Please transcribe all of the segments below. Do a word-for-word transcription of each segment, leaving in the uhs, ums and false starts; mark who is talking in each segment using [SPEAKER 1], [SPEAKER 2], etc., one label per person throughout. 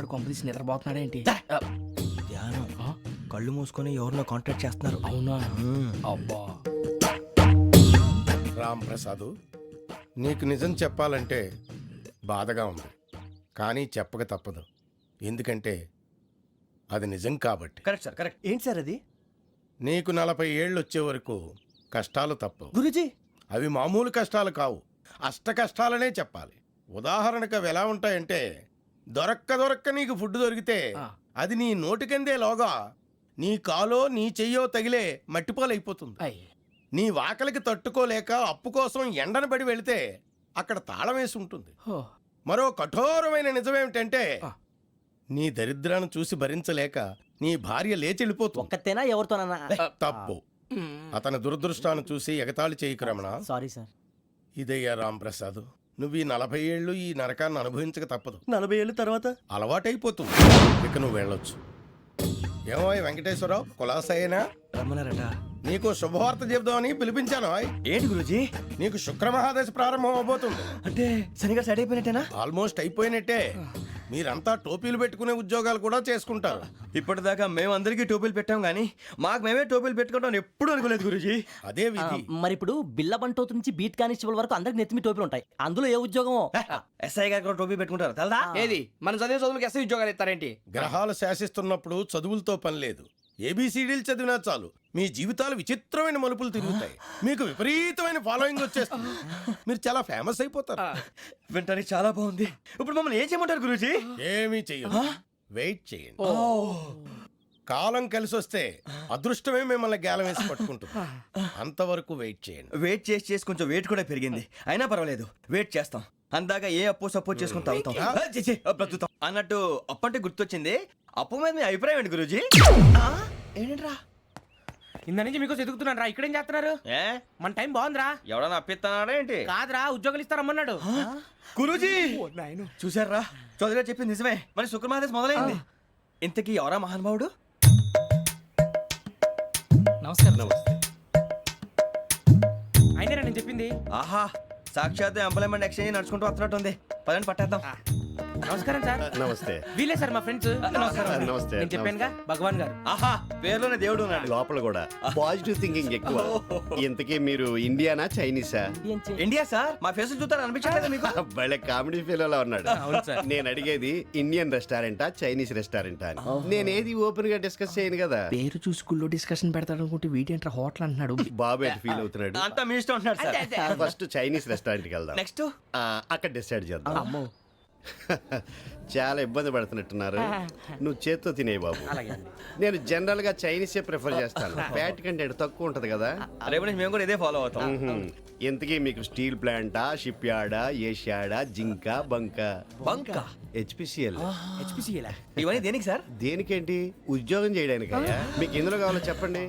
[SPEAKER 1] గారు కొంపదీసి నిద్రపోతున్నాడు ఏంటి?
[SPEAKER 2] ధ్యానం కళ్ళు మూసుకొని ఎవరినో కాంటాక్ట్ చేస్తున్నారు.
[SPEAKER 1] అవునా? అబ్బా
[SPEAKER 3] రామ్ ప్రసాద్, నీకు నిజం చెప్పాలంటే బాధగా ఉంది, కానీ చెప్పక తప్పదు. ఎందుకంటే అది నిజం కాబట్టి.
[SPEAKER 2] Correct sir, correct. ఏంటి సార్ అది?
[SPEAKER 3] నీకు నలభై ఏళ్ళు వచ్చే వరకు కష్టాలు తప్పవు
[SPEAKER 2] గురూజీ.
[SPEAKER 3] అవి మామూలు కష్టాలు కావు, అష్ట కష్టాలనే చెప్పాలి. ఉదాహరణకు అవి ఎలా ఉంటాయంటే, దొరక్క దొరక్క నీకు ఫుడ్ దొరికితే అది నీ నోటికందే లోగా నీ కాలో నీ చెయ్యో తగిలే మట్టిపాలైపోతుంది. నీ వాకలికి తట్టుకోలేక అప్పు కోసం ఎండను పడి వెళితే అక్కడ తాళం వేసి ఉంటుంది. మరో కఠోరమైన నిజమేమిటంటే, నీ దరిద్రాన్ని చూసి భరించలేక నీ భార్య లేచి వెళ్ళిపోతుంది.
[SPEAKER 4] ఒక్కతేనా ఎవరితోనన్నా?
[SPEAKER 3] తప్పు. అతని దురదృష్టాన్ని చూసి ఎగతాళి చేయకు రమణ.
[SPEAKER 4] Sorry sir.
[SPEAKER 3] ఇదయ్యా రాంప్రసాద్, నువ్వు ఈ నలభై ఏళ్ళు ఈ నరకాన్ని అనుభవించక తప్పదు.
[SPEAKER 2] నలభై ఏళ్ళ తర్వాత
[SPEAKER 3] అలవాటైపోతుంది. ఇక నువ్వు వెళ్ళొచ్చు. ఏమో వెంకటేశ్వరరావు, కులాసైనా
[SPEAKER 2] రమ్మన్నారట.
[SPEAKER 3] నీకు శుభవార్త చెబుదామని పిలిపించాను.
[SPEAKER 2] ఏంటి గురూజీ?
[SPEAKER 3] నీకు శుక్రమహాదశ ప్రారంభం అవబోతుంది.
[SPEAKER 2] అంటే సరిగా సెట్ అయిపోయినట్టేనా?
[SPEAKER 3] ఆల్మోస్ట్ అయిపోయినట్టే. మీరంతా టోపీలు పెట్టుకునే ఉద్యోగాలు కూడా చేసుకుంటారు.
[SPEAKER 2] ఇప్పటిదాకా మేము అందరికీ టోపీలు పెట్టాం గానీ మాకు మేమే టోపీలు పెట్టుకుంటాం ఎప్పుడు అనుకోలేదు గురూజీ.
[SPEAKER 3] అదే విధి.
[SPEAKER 4] మరి ఇప్పుడు బిల్ల బంటోతు నుంచి బీట్ కానిస్టేబుల్ వరకు అందరికి నెత్తిమి టోపీలు ఉంటాయి. అందులో ఏ ఉద్యోగమో?
[SPEAKER 2] ఎస్ఐ గారు కూడా టోపీ పెట్టుకుంటారు తెలదా?
[SPEAKER 1] ఏది మన చదివే చదువులకు ఎస్ఐ ఉద్యోగాలు ఇస్తారేంటి?
[SPEAKER 3] గ్రహాలు శాసిస్తున్నప్పుడు చదువులతో పని లేదు. ఏబిసిడీలు చదివినా చాలు మీ జీవితాలు విచిత్రమైన మలుపులు తిరుగుతాయి. మీకు విపరీతమైన ఫాలోయింగ్ వచ్చేస్తుంది. మీరు చాలా ఫేమస్ అయిపోతారు.
[SPEAKER 2] వింటానికి చాలా బాగుంది. ఇప్పుడు మమ్మల్ని ఏం చేయమంటారు గురూజీ?
[SPEAKER 3] ఏమీ చెయ్యదు, వెయిట్ చేయండి. కాలం కలిసి వస్తే అదృష్టమే మిమ్మల్ని గేలం వేసి పట్టుకుంటుంది. అంతవరకు వెయిట్ చేయండి.
[SPEAKER 2] వెయిట్ చేసి చేసి కొంచెం వెయిట్ కూడా పెరిగింది. అయినా పర్వాలేదు, వెయిట్ చేస్తాం. అందాక ఏ అప్పు సపోర్ట్ చేసుకుని తాగుతాం, బ్రతుకుతాం అన్నట్టు. అప్పు అంటే గుర్తొచ్చింది. అప్పు మీద మీ అభిప్రాయం ఏంటి గురూజీ? ఏంటరా
[SPEAKER 1] ఇంత నుంచి మీకు ఎదుగుతున్నాను రా. ఇక్కడేం చేస్తున్నారు?
[SPEAKER 2] ఏ
[SPEAKER 1] మన టైం బాగుందిరా.
[SPEAKER 2] ఎవడన్నా అప్పిస్తున్నాడా ఏంటి?
[SPEAKER 1] కాదురా, ఉద్యోగాలు ఇస్తారమ్మన్నాడు.
[SPEAKER 2] గురూజీ చూసారా, చౌదరిగా చెప్పింది నిజమే. మరి శుక్రమహాదేశ్ మొదలైంది. ఇంతకీ ఎవరా మహానుభావుడు?
[SPEAKER 1] నమస్కారం. నమస్తే. అయినా నేను చెప్పింది.
[SPEAKER 2] ఆహా, సాక్షాత్ ఎంప్లాయ్మెంట్ ఎక్స్చేంజ్ నడుచుకుంటూ వస్తున్నట్టు ఉంది. పదండి పట్టేద్దాం.
[SPEAKER 1] నమస్కారం సార్.
[SPEAKER 5] నమస్తే.
[SPEAKER 1] వీలే సార్ మా ఫ్రెండ్స్.
[SPEAKER 5] నమస్తే.
[SPEAKER 1] నేను చెప్పానుగా, భగవాన్ గారు.
[SPEAKER 2] ఆహా, పేరులోనే దేవుడు ఉన్నాడు.
[SPEAKER 5] లోపల కూడా పాజిటివ్ థింకింగ్ ఎక్కువ. ఇంతకీ మీరు ఇండియానా చైనీసా?
[SPEAKER 2] India sir. మా ఫేస్ చూస్తారు అనిపించలేదు మీకు?
[SPEAKER 5] భలే కామెడీ ఫీల్ లా ఉన్నాడు. నేను అడిగేది ఇండియన్ రెస్టారెంటా చైనీస్ రెస్టారెంటా అని. నేను ఏది ఓపెన్ గా డిస్కస్ చేయను కదా.
[SPEAKER 1] పేరు చూసి స్కూల్లో డిస్కషన్ పెడతాడు అనుకుంటే వీటేంట్రా హోటల్ అంటున్నాడు.
[SPEAKER 5] బాబు ఎట్ ఫీల్ అవుతున్నాడు.
[SPEAKER 2] అంతా మీ ఇష్టం ఉంటున్నాడు సార్.
[SPEAKER 5] ఫస్ట్ చైనీస్ రెస్టారెంట్ కి వెళ్దాం.
[SPEAKER 2] నెక్స్ట్
[SPEAKER 5] అక్కడ డిసైడ్ చేద్దాం. చాలా ఇబ్బంది పడుతున్నట్టున్నారు. నువ్వు చేత్తో తినే బాబు. నేను జనరల్ గా చైనీసే ప్రిఫర్ చేస్తాను. ఫ్యాట్ కంటెంట్ తక్కువ ఉంటది కదా.
[SPEAKER 2] రేపు నుంచి మేము కూడా ఇదే ఫాలో అవుతాం.
[SPEAKER 5] ఇంతకీ మీకు స్టీల్ ప్లాంటా, షిప్ యార్డా, ఏషియాడా, జింక, బంక?
[SPEAKER 2] బంక,
[SPEAKER 5] హెచ్పిసిఎల్.
[SPEAKER 2] ఇవన్నీ దేనికి సార్?
[SPEAKER 5] దేనికేంటి? ఉద్యోగం చేయడానికి. మీకు ఎందులో కావాలో చెప్పండి.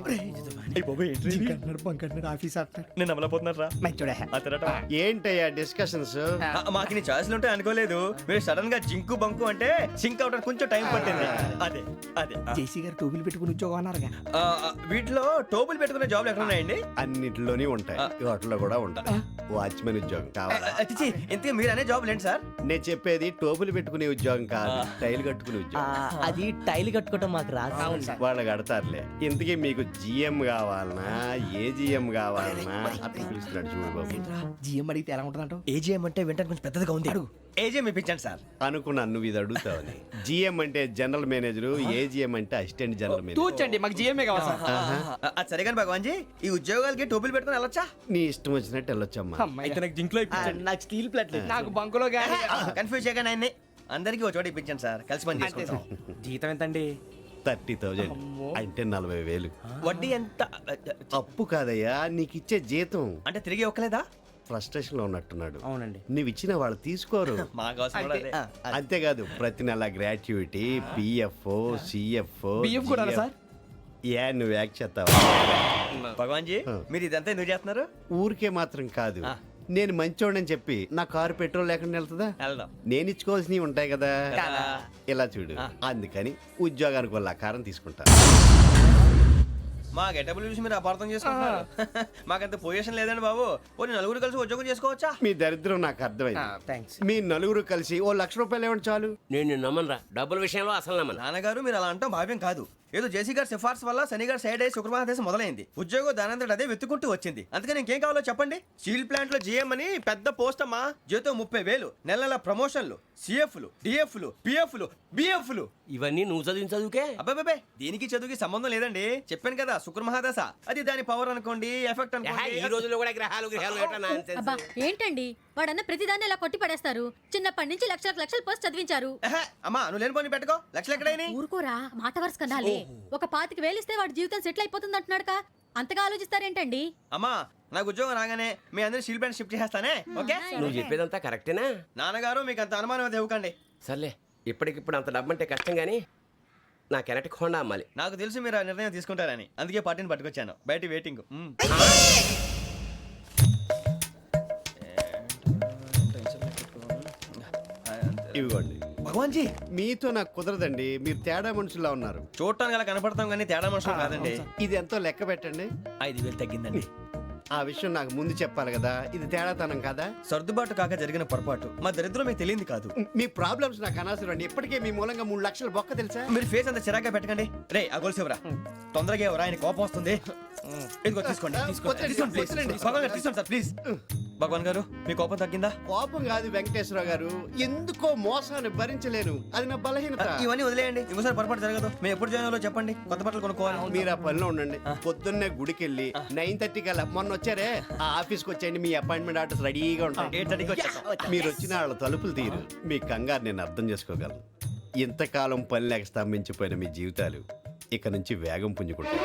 [SPEAKER 2] నేను అమలపోతున్నారా?
[SPEAKER 5] ఏంటయ్యా డిస్కషన్స్?
[SPEAKER 2] మాకు నీ ఛాయిస్లు ఉంటాయి అనుకోలేదు. మీరు సడన్ గా జింకు బంకు అంటే సింక్ అవడానికి కొంచెం టైం పట్టింది. అదే అదే
[SPEAKER 1] జేసీ గారు టోపీలు పెట్టుకుని ఉద్యోగం అన్నారుగా.
[SPEAKER 2] ఆ, వీటిలో టోపులు పెట్టుకునే జాబ్లు ఎక్కడ ఉన్నాయండి?
[SPEAKER 5] అన్నిటిలోనే ఉంటాయి, వాటిలో కూడా ఉంటాయి. వాచ్మెన్ ఉద్యోగం కావాలా?
[SPEAKER 2] అతిచి ఇంతకీ మీరు అనే జాబ్ ఏంటి సార్?
[SPEAKER 5] నేను చెప్పేది టోపులు పెట్టుకునే ఉద్యోగం కాదు, టైల్ కట్టుకునే ఉద్యోగం.
[SPEAKER 4] అది టైల్ కట్టుకోవటం మాకు రాదు.
[SPEAKER 5] వాళ్ళు కడతారులే. ఇంతకీ మీకు జిఎం కావాలనా, ఏ జిఎం కావాలనా? అట్లా పిలుస్తున్నాడు చూడు బాబు.
[SPEAKER 1] జిఎం అడిగితే ఎలా ఉంటుందంట?
[SPEAKER 2] ఏజీఎం అంటే వింటానికి కొంచెం పెద్దదిగా ఉంది. ఏజీఎం ఇప్పించండి సార్.
[SPEAKER 5] అనుకున్నాను నువ్వు ఇది అడుగుతావని. జిఎం అంటే జనరల్ మేనేజర్, ఏజిఎం అంటే అసిస్టెంట్ జనరల్ మేనేజర్.
[SPEAKER 1] తూచండి, మాకు జిఎంఏ కావాలి సార్.
[SPEAKER 2] అది సరే కానీ భగవాన్ జీ, ఈ ఉద్యోగాలకి టోపులు పెట్టుకుని వెళ్ళొచ్చా?
[SPEAKER 5] నీ ఇష్టం వచ్చినట్టు వెళ్ళొచ్చమ్మా.
[SPEAKER 1] అయితే నాకు జింక్లో
[SPEAKER 4] నాకు స్టీల్ ప్లేట్,
[SPEAKER 1] నాకు బంకులో గానీ.
[SPEAKER 2] కన్ఫ్యూజ్ చేయగానే ఆయన్ని అందరికీ ఒక చోట ఇప్పించండి సార్, కలిసి పని చేసుకుంటాం.
[SPEAKER 1] జీతం ఎంతండి?
[SPEAKER 5] థర్టీ థౌజండ్ అంటే నలభై వేలు.
[SPEAKER 2] వడ్డీ ఎంత?
[SPEAKER 5] అప్పు కాదయ్యా, నీకు ఇచ్చే జీతం.
[SPEAKER 2] అంటే తిరిగి ఒక్కలేదా?
[SPEAKER 5] ఫ్రస్ట్రేషన్ లో ఉన్నట్టున్నాడు.
[SPEAKER 1] అవునండి.
[SPEAKER 5] నువ్వు ఇచ్చిన వాళ్ళు తీసుకోరు.
[SPEAKER 2] మాకు అవసరం కూడా అదే.
[SPEAKER 5] అంతేకాదు ప్రతి నెల గ్రాట్యుటీ, పిఎఫ్, సిఎఫ్.
[SPEAKER 1] బియ్యం కూడా సార్?
[SPEAKER 5] ఏ నువ్వు యాక్ట్ చేస్తావా?
[SPEAKER 2] భగవాన్ జీ, మీరు ఇదంతా ఎందుకు చేస్తున్నారు?
[SPEAKER 5] ఊరికే మాత్రం కాదు, నేను మంచోడని చెప్పి నా కారు పెట్రోల్ లేకుండా వెళ్తుందా?
[SPEAKER 2] వెళ్దాం.
[SPEAKER 5] నేను ఇచ్చుకోవాల్సినవి ఉంటాయి కదా. ఇలా చూడు, అందుకని ఉద్యోగానికి వాళ్ళ ఆకారం తీసుకుంటా.
[SPEAKER 2] మా గెటబుల్ చూసి మీరు అపార్థం చేసుకుంటున్నారు. మాకంత పొజిషన్ లేదండి బాబు. ఓ నలుగురు కలిసి ఉద్యోగం చేసుకోవచ్చా?
[SPEAKER 5] మీ దరిద్రం నాకు అర్థమైంది.
[SPEAKER 1] థ్యాంక్స్.
[SPEAKER 5] మీ నలుగురు కలిసి ఓ లక్ష రూపాయలు ఇవ్వండి చాలు.
[SPEAKER 6] నేను నమ్మనరా డబ్బుల విషయంలో అసలు నమ్మను.
[SPEAKER 2] నాన్నగారు మీరు అలా అంటాం భావ్యం కాదు. ఏదో జేసీ గారి సిఫార్సు వల్ల శని గారు సైడ్ అయ్యి శుక్రమహాదేశం మొదలైంది. ఉద్యోగం దానంతటి అదే వెతుకుంటూ వచ్చింది. అందుకని ఇంకేం కావాలో చెప్పండి. స్టీల్ ప్లాంట్ లో జీఎం అని పెద్ద పోస్ట్ అమ్మా. జీతం ముప్పై వేలు, నెల నెల ప్రమోషన్లు, సిఎఫ్లు, డిఎఫ్లు, పిఎఫ్లు, బిఎఫ్లు.
[SPEAKER 6] ఇవన్నీ నువ్వు చదివిన చదువుకే.
[SPEAKER 2] అబ్బాబే దీనికి చదువుకి సంబంధం లేదండి. చెప్పాను కదా శుక్రమహాదశ. అది దాని పవర్ అనుకోండి, ఎఫెక్ట్
[SPEAKER 6] ఏహే,
[SPEAKER 2] అనుకోండి.
[SPEAKER 6] ఈ రోజుల్లో కూడా గ్రహాలు గ్రహాలు ఏటా nonsense?
[SPEAKER 7] అబ్బా ఏంటండి వాడన్న ప్రతిదాన్ని ఇలా కొట్టి పడేస్తారు. చిన్నప్పటి నుంచి లక్షలకు లక్షలు పోస్ట్ చదివించారు.
[SPEAKER 2] ఏహే, అమ్మా నువ్వు లేని పోనీ పెట్టుకో. లక్షలు ఎక్కడైనా
[SPEAKER 7] ఊరుకోరా మాట వరుస కదాలే. ఒక పాతికి వేలిస్తే వాడి జీవితం సెటిల్ అయిపోతుంది అంటున్నాడుగా. అంతగా ఆలోచిస్తారేంటండి?
[SPEAKER 2] అమ్మా నాకు ఉద్యోగం రాగానే మీ అందరూ స్టీల్ ప్లాంట్ షిఫ్ట్ చేస్తానే. ఓకే
[SPEAKER 6] నువ్వు చెప్పేదంతా కరెక్టేనా?
[SPEAKER 2] నాన్నగారు మీకు అంత అనుమానం అయితే ఇవ్వకండి.
[SPEAKER 6] సర్లే, ఇప్పటికిప్పుడు అంత డబ్బు అంటే కష్టం కానీ నా కెనటిక్ హోండా అమ్మాలి.
[SPEAKER 2] నాకు తెలుసు మీరు ఆ నిర్ణయం తీసుకుంటారని, అందుకే పార్టీని పట్టుకొచ్చాను. బయట వెయిటింగ్. మ్మ్.
[SPEAKER 5] ఇవ్వండి.
[SPEAKER 2] భగవాన్ జీ
[SPEAKER 5] మీతో నాకు కుదరదండి. మీరు తేడా మనుషుల్లా ఉన్నారు.
[SPEAKER 2] చూడటానికి అలా కనపడతాం కానీ తేడా మనుషులు కాదండి.
[SPEAKER 5] ఇది ఎంతో లెక్క పెట్టండి.
[SPEAKER 2] ఐదు వేలు తగ్గిందండి.
[SPEAKER 5] ఆ విషయం నాకు ముందు చెప్పాలి కదా. ఇది తేడాతనం కదా.
[SPEAKER 2] సర్దుబాటు కాక జరిగిన పొరపాటు. మా దరిద్రం మీకు తెలియంది కాదు.
[SPEAKER 5] మీ ప్రాబ్లమ్స్ నాకు అనవసరం అండి. ఇప్పటికే మీ మూలంగా మూడు లక్షలు బొక్క తెలుసా.
[SPEAKER 2] మీరు ఫేస్ అంత చిరాగ్గా పెట్టకండి. రే ఆ గొలుసేవరా తొందరగా ఎవరా, ఆయన కోపం వస్తుంది. ఇదిగో తీసుకోండి. తీసుకోండి.
[SPEAKER 5] వద్దండి,
[SPEAKER 2] తీసుకోండి, please.
[SPEAKER 5] వద్దండి.
[SPEAKER 2] భగవాన్ గారు తీసుకోండి సార్ ప్లీజ్. భగవాన్ గారు మీ కోపం తగ్గిందా?
[SPEAKER 5] కోపం కాదు వెంకటేశ్వర గారు, ఎందుకో మోసాన్ని భరించలేను. అది నా బలహీనత.
[SPEAKER 2] ఇవన్నీ వదిలేయండి. ఇంకోసారి పొరపాటు జరగదు. మేము ఎప్పుడు జాయిన్ అవ్వాలో చెప్పండి. కొత్త బట్టలు కొనుక్కోవాలి.
[SPEAKER 5] మీరు ఆ పనిలో ఉండండి. పొద్దున్నే గుడికి వెళ్ళి నైన్ థర్టీ కల్లా మొన్న వచ్చారే ఆ ఆఫీస్కి వచ్చేయండి. మీ అపాయింట్మెంట్ ఆర్డర్స్ రెడీగా ఉంటాయి.
[SPEAKER 2] ఎయిట్ థర్టీకి వచ్చేస్తాం.
[SPEAKER 5] మీరు వచ్చిన వాళ్ళ తలుపులు తీరు. మీ కంగారు నేను అర్థం చేసుకోగలను. ఇంతకాలం పని లేక స్తంభించిపోయిన మీ జీవితాలు ఇక నుంచి వేగం పుంజుకుంటాయి.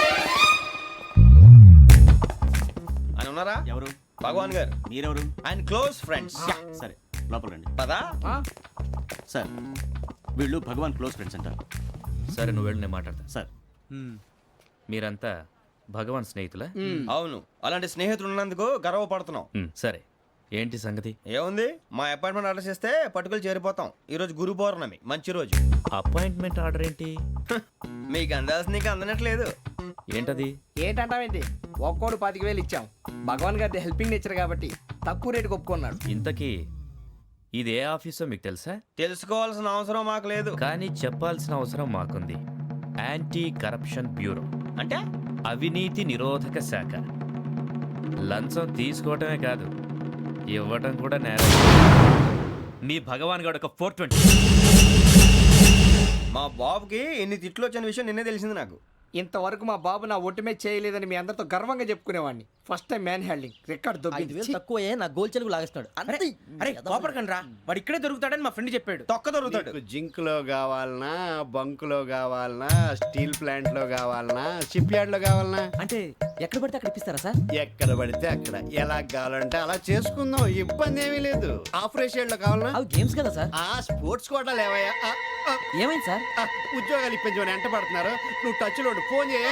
[SPEAKER 2] అని ఉన్నారా?
[SPEAKER 8] ఎవరు?
[SPEAKER 2] భగవాన్ గారు.
[SPEAKER 8] మీరెవరు?
[SPEAKER 2] ఆయన క్లోజ్ ఫ్రెండ్స్.
[SPEAKER 8] సరే లోపల రండి.
[SPEAKER 2] పదా
[SPEAKER 8] సార్ వీళ్ళు భగవాన్ క్లోజ్ ఫ్రెండ్స్ అంటారు.
[SPEAKER 1] సరే నువ్వు వెళ్ళి నేను మాట్లాడతా.
[SPEAKER 8] సార్
[SPEAKER 1] మీరంతా భగవాన్ స్నేహితులా?
[SPEAKER 2] అవును, అలాంటి స్నేహితులు ఉన్నందుకు గర్వపడుతున్నాం.
[SPEAKER 1] మ్, సరే ఏంటి సంగతి?
[SPEAKER 2] ఏముంది, మా అపాయింట్మెంట్ ఆర్డర్ చేస్తే పట్టుకులు చేరిపోతాం. ఈ రోజు గురు పౌర్ణమి, మంచి రోజు.
[SPEAKER 1] అపాయింట్మెంట్ ఆర్డర్ ఏంటి?
[SPEAKER 2] మీకు అందాల్సిన నీకు అందనట్లేదు.
[SPEAKER 1] ఏంటది?
[SPEAKER 9] ఏంటంటావేంటి? ఒక్కోడు పాతిక వేలు ఇచ్చాం. భగవాన్ గారి హెల్పింగ్ నేచర్ కాబట్టి తక్కువ రేటుకి ఒప్పుకున్నాడు.
[SPEAKER 1] ఇంతకీ ఇది ఏ ఆఫీసో మీకు తెలుసా?
[SPEAKER 2] తెలుసుకోవాల్సిన అవసరం మాకు లేదు.
[SPEAKER 1] కానీ చెప్పాల్సిన అవసరం మాకుంది. యాంటీ కరప్షన్ బ్యూరో
[SPEAKER 2] అంటే
[SPEAKER 1] అవినీతి నిరోధక శాఖ. లంచం తీసుకోవటమే కాదు, ఇవ్వటం కూడా నేరం. మీ భగవాన్ గారు ఒక ఫోర్ ట్వంటీ.
[SPEAKER 2] మా బాబుకి ఎన్ని తిట్లు వచ్చిన విషయం నిన్నే తెలిసింది నాకు.
[SPEAKER 9] ఇంతవరకు మా బాబు నా ఒట్టుమే చేయలేదని మీ అందరితో గర్వంగా చెప్పుకునేవాడిని. First time man handing record
[SPEAKER 4] ఐదు వేలు
[SPEAKER 9] దొబ్బింది.
[SPEAKER 4] తక్కువ నా గోల్ చెలుగు లాగేస్తున్నాడు. అంతే.
[SPEAKER 1] అరే కోపడకండి రా, వాడు ఇక్కడే దొరుకుతాడని మా ఫ్రెండ్ చెప్పాడు.
[SPEAKER 2] తొక్క దొరుకుతాడు.
[SPEAKER 5] మీకు జింక్ లో కావాలనా, బంక్ లో కావాలనా, స్టీల్ ప్లాంట్ లో కావాలనా, షిప్ యార్డ్ లో కావాలనా?
[SPEAKER 4] అంటే ఎక్కడ పడితే అక్కడ ఇప్పిస్తారా సార్?
[SPEAKER 5] ఎక్కడ పడితే అక్కడ ఎలా కావాలంటే అలా చేసుకుందాం. ఇబ్బంది ఏమీ లేదు. ఆపరేషన్ లో కావాలనా?
[SPEAKER 4] అవి గేమ్స్ కదా సార్.
[SPEAKER 5] ఆ స్పోర్ట్స్ కోటా లేవయ్యా. ఆ, ఆ,
[SPEAKER 4] ఏమైంది సార్?
[SPEAKER 5] ఆ, ఉద్యోగాలు ఇప్పించమని ఎంట పడుతున్నారు. నువ్వు టచ్ లో ఉండు. ఫోన్ చేయ.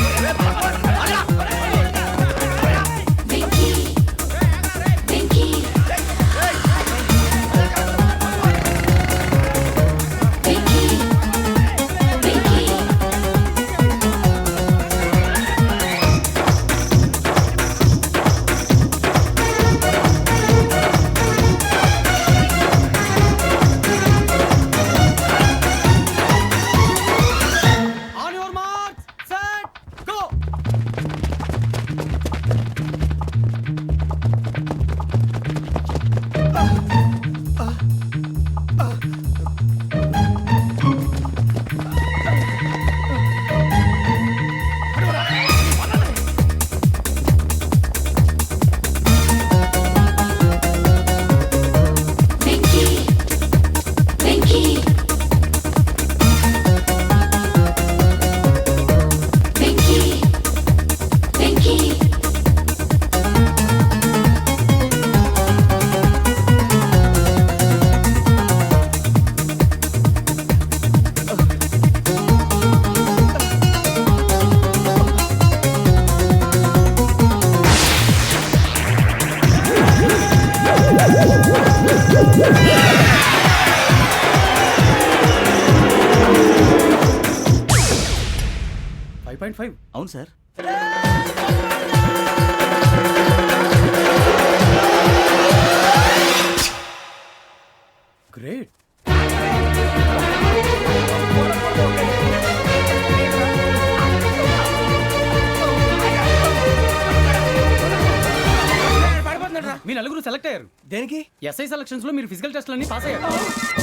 [SPEAKER 9] On your marks set go.
[SPEAKER 8] Point five అవును సార్. గ్రేట్. మీ నలుగురు సెలెక్ట్ అయ్యారు.
[SPEAKER 2] దేనికి?
[SPEAKER 8] ఎస్ఐ సెలక్షన్స్ లో మీరు ఫిజికల్ టెస్ట్ అన్ని పాస్ అయ్యారు.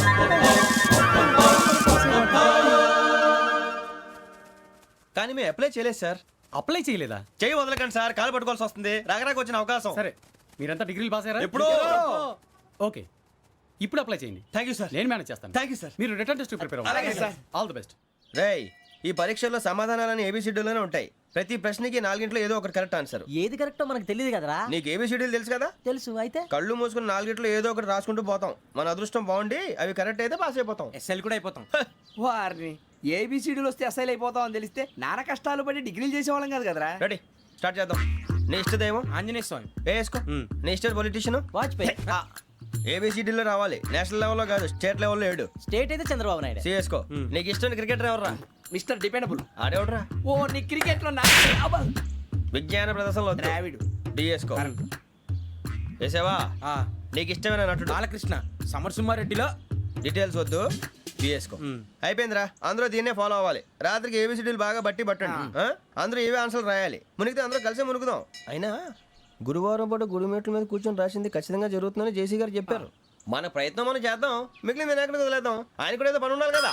[SPEAKER 2] కానీ మేము అప్లై చేయలేదు సార్.
[SPEAKER 8] అప్లై చేయలేదా?
[SPEAKER 2] చేయి వదలకండి సార్, కాలు పట్టుకోవాల్సి వస్తుంది. రాగరాకు వచ్చిన అవకాశం.
[SPEAKER 8] సరే, మీరంతా డిగ్రీలు పాస్ అయ్యారా?
[SPEAKER 2] ఎప్పుడో.
[SPEAKER 8] ఓకే, ఇప్పుడు అప్లై చేయండి.
[SPEAKER 2] Thank you sir.
[SPEAKER 8] నేను మేనేజ్ చేస్తాను.
[SPEAKER 2] Thank you sir.
[SPEAKER 8] మీరు రిటర్న్ టెస్ట్ ప్రిపేర్
[SPEAKER 2] అలాగే
[SPEAKER 8] అవ్వండి.
[SPEAKER 2] సార్.
[SPEAKER 8] All the best.
[SPEAKER 2] రేయ్, ఈ పరీక్షల్లో సమాధానాలని ఏబిసిడ్యూల్లోనే ఉంటాయి. ప్రతి ప్రశ్నకి నాలుగింట్లో ఏదో ఒకటి కరెక్ట్ ఆన్సర్.
[SPEAKER 4] ఏది కరెక్టో మనకు తెలియదు కదరా.
[SPEAKER 2] నీకు ఏబిసిడ్యూల్ తెలుసు కదా?
[SPEAKER 4] తెలుసు. అయితే
[SPEAKER 2] కళ్ళు మూసుకుని నాలుగింట్లో ఏదో ఒకటి రాసుకుంటూ పోతాం. మన అదృష్టం బాగుండి అవి కరెక్ట్ అయితే పాస్ అయిపోతాం.
[SPEAKER 9] ఎస్ఎల్ కూడా అయిపోతాం. వారిని ఏబిసిడీలు వస్తే ఎస్ఐలు అయిపోతాం అని తెలిస్తే నాన్న కష్టాలు పడి డిగ్రీలు చేసేవాళ్ళం కాదు కదరా.
[SPEAKER 2] రెడీ, స్టార్ట్ చేద్దాం. నీ ఇష్టదేమో
[SPEAKER 8] ఆంజనేయ స్వామి.
[SPEAKER 2] వేసుకో. నీ ఇష్ట పొలిటీషియన్
[SPEAKER 4] వాజ్పేయి.
[SPEAKER 2] ఏబిసిడీలో రావాలి, నేషనల్ లెవెల్లో కాదు, స్టేట్ లెవెల్లో ఏడు.
[SPEAKER 4] స్టేట్ అయితే చంద్రబాబు నాయుడు.
[SPEAKER 2] సిఎస్కో. నీకు ఇష్టం క్రికెటర్ ఎవర్రా?
[SPEAKER 9] Mister dependable.
[SPEAKER 2] ఆడేవడరా?
[SPEAKER 9] ఓ నీ క్రికెట్ లో నా
[SPEAKER 2] విజ్ఞాన ప్రదర్శనలో
[SPEAKER 9] ద్రావిడు.
[SPEAKER 2] డిఎస్కో. వేసావా? నీకు ఇష్టమైన నటుడు?
[SPEAKER 8] బాలకృష్ణ. సమర్సింహారెడ్డిలో
[SPEAKER 2] డీటెయిల్స్ వద్దు, బిఎస్కో. అయిపోయిందిరా. అందరూ దీన్నే ఫాలో అవ్వాలి. రాత్రికి ఏబిసిడీలు బాగా బట్టి పట్టండి. ఆ? అందరూ ఏవే ఆన్సర్లు రాయాలి. మునిగితే అందరూ కలిసి మునుగుదాం. అయినా గురువారం పాటు గురుమేట్ల మీద కూర్చొని రాసింది ఖచ్చితంగా జరుగుతుందని జేసీ గారు చెప్పారు. మన ప్రయత్నం మనం చేద్దాం, మిగిలింది వినాయకుడికి వదిలేద్దాం. ఆయన కూడా ఏదో పని ఉండాలి కదా.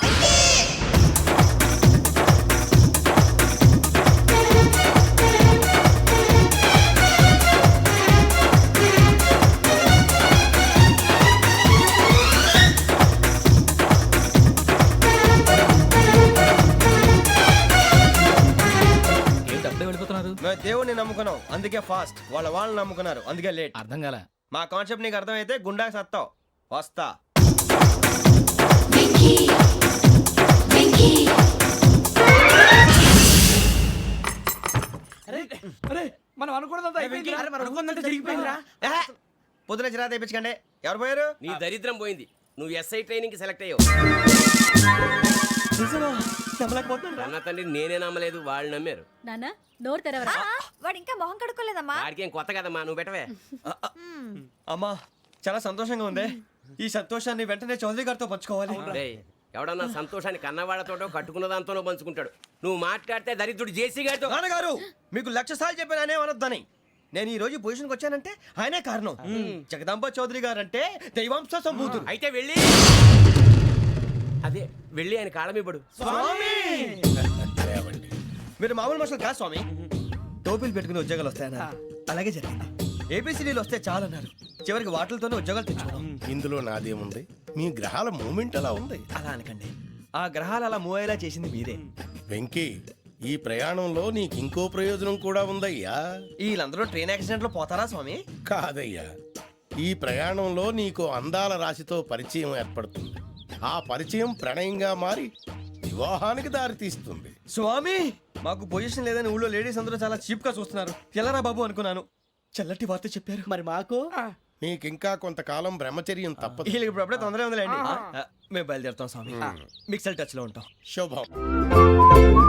[SPEAKER 8] వెళ్ళిపోతున్నారు.
[SPEAKER 2] మేము దేవుడిని నమ్ముకున్నాం, అందుకే ఫాస్ట్. వాళ్ళ వాళ్ళు నమ్ముకున్నారు, అందుకే లేట్.
[SPEAKER 8] అర్థం కాల.
[SPEAKER 2] మా కాన్సెప్ట్ నీకు అర్థమైతే గుండా సత్తావు. వస్తా.
[SPEAKER 9] అరే మనం అనుకున్నదంతా అయిపోయింది. అరే, మనం అనుకున్నదంతా జరిగిపోయిందిరా.
[SPEAKER 2] ఏహే, పొద్దున చిరా తెప్పించకండి. ఎవరు పోయారు?
[SPEAKER 6] నీ దరిద్రం పోయింది. నువ్వు ఎస్ఐ ట్రైనింగ్ కి సెలెక్ట్ అయ్యావు. అన్న తండ్రి నేనే నమ్మలేదు, వాళ్ళు నమ్మారు.
[SPEAKER 7] నాన్న నోరు తెరవరా.
[SPEAKER 10] వాడు ఇంకా మొహం కడుక్కోలేదమ్మా.
[SPEAKER 6] వాడికి ఏం కొత్త కదమ్మా, నువ్వు పెట్టవే.
[SPEAKER 2] అమ్మా, చాలా సంతోషంగా ఉంది. ఈ సంతోషాన్ని వెంటనే చౌదరి గారితో పంచుకోవాలి.
[SPEAKER 6] డేయ్, ఎవడన్నా సంతోషాన్ని కన్నవాళ్లతోటో కట్టుకున్న దాంతోనో పంచుకుంటాడు. నువ్వు మాట్లాడితే దరిద్రుడు జేసీ గారితో.
[SPEAKER 2] నాన్నగారు, మీకు లక్ష సార్లు చెప్పాను అనే అనొద్దని. నేను ఈ రోజు పొజిషన్కి వచ్చానంటే ఆయనే కారణం. జగదాంబ చౌదరి గారు అంటే దైవాంశ సంభూతుడు.
[SPEAKER 6] అయితే వెళ్ళి అదే వెళ్ళి ఆయన కాళ్ళమివ్వడు.
[SPEAKER 2] మీరు మామూలు మనుషులు కాదు స్వామి. టోపీలు పెట్టుకుని ఉద్యోగాలు వస్తాయన్నారు, అలాగే జరిగింది. ఏబిసిడీలు వస్తే చాలన్నారు, చివరికి వాటిలతోనే ఉద్యోగాలు తెచ్చుకున్నాం.
[SPEAKER 3] ఇందులో నాదేముంది? మీ గ్రహాల మూమెంట్ అలా ఉంది.
[SPEAKER 2] అలా అనకండి, ఆ గ్రహాలు అలా మూవ్ అయ్యేలా చేసింది మీరే.
[SPEAKER 3] వెంకీ, ఈ ప్రయాణంలో నీకు ఇంకో ప్రయోజనం కూడా ఉందయ్యా.
[SPEAKER 2] వీళ్ళందరూ ట్రైన్ యాక్సిడెంట్ లో పోతారా స్వామి?
[SPEAKER 3] కాదయ్యా, ఈ ప్రయాణంలో నీకు అందాల రాశితో పరిచయం ఏర్పడుతుంది. ఆ పరిచయం ప్రణయంగా మారి వివాహానికి దారితీస్తుంది.
[SPEAKER 2] స్వామి, మాకు పొజిషన్ లేదని ఊళ్ళో లేడీస్ అందరూ చాలా చీప్ గా చూస్తున్నారు. ఎలారా బాబు అనుకున్నాను. చల్లటి వార్త చెప్పారు.
[SPEAKER 4] మరి మాకు
[SPEAKER 3] నీకింకా కొంతకాలం బ్రహ్మచర్యం తప్పదు.
[SPEAKER 2] వీళ్ళకి ఇప్పుడు అప్పుడే తొందరగా ఉందిలేండి. ఆ, మేము బయలుదేరుతాం స్వామి. మిక్సల్ టచ్ లో ఉంటాం.
[SPEAKER 3] శుభం.